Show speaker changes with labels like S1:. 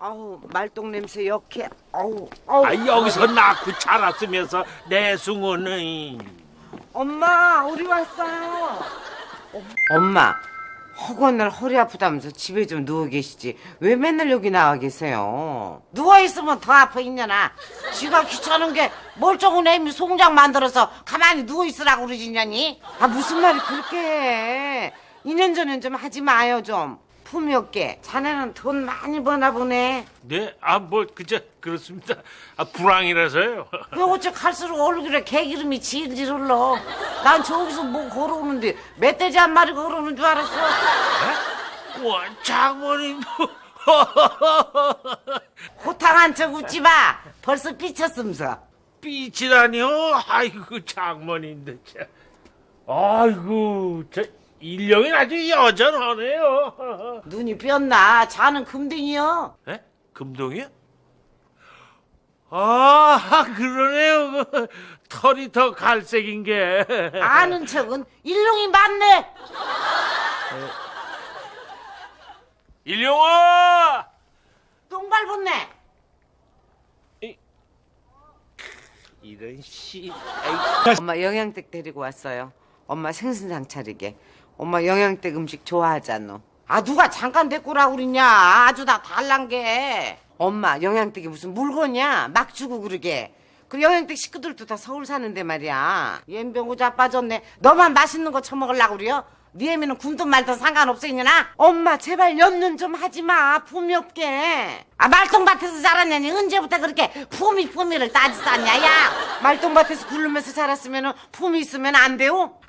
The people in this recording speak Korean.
S1: 아우 말똥 냄새 역해. 아우.
S2: 여기서 낳고 자랐으면서 내 숭어는.
S1: 엄마 우리 왔어요. 엄마 허구한 날 허리 아프다면서 집에 좀 누워 계시지 왜 맨날 여기 나와 계세요? 누워 있으면 더 아파 있냐나. 지가 귀찮은 게 멀쩡한 애미 송장 만들어서 가만히 누워 있으라고 그러지냐니. 아 무슨 말이 그렇게 해. 2년 전엔 좀 하지 마요 좀. 품이 없게. 자네는 돈 많이 버나 보네.
S2: 네? 그렇습니다. 불황이라서요.
S1: 왜 어째 갈수록 얼굴에 개기름이 질질 흘러. 난 저기서 뭐 걸어오는데 멧돼지 한 마리 걸어오는 줄 알았어.
S2: 와, 장모님도.
S1: 호탕한 척 웃지 마. 벌써 삐쳤음서.
S2: 삐치다니요? 아이고, 장모님도 참. 아이고, 일령이 아주 여전하네요.
S1: 눈이 삐었나. 자는 금등이요.
S2: 에? 금동이요? 아, 그러네요. 털이 더 갈색인 게.
S1: 아는 척은 일룡이 맞네.
S2: 일용아!
S1: 똥 밟았네.
S2: 이런 씨.
S1: 엄마 영양댁 데리고 왔어요. 엄마 생선상 차리게. 엄마 영양댁 음식 좋아하잖아. 아 누가 잠깐 데꼬라고 그러냐. 아주 다 달란 게. 엄마 영양댁이 무슨 물건이야. 막 주고 그러게. 그 영양댁 식구들도 다 서울 사는데 말이야. 옌병고 자빠졌네. 너만 맛있는 거 처먹으려고 그래요? 네 애미는 굶든 말든 상관없어 있냐나. 엄마 제발 연륜 좀 하지마. 품이 없게. 아 말똥밭에서 자랐냐니. 언제부터 그렇게 품위를 따지쌌냐. 야 말똥밭에서 굴르면서 자랐으면 품이 있으면 안 돼요?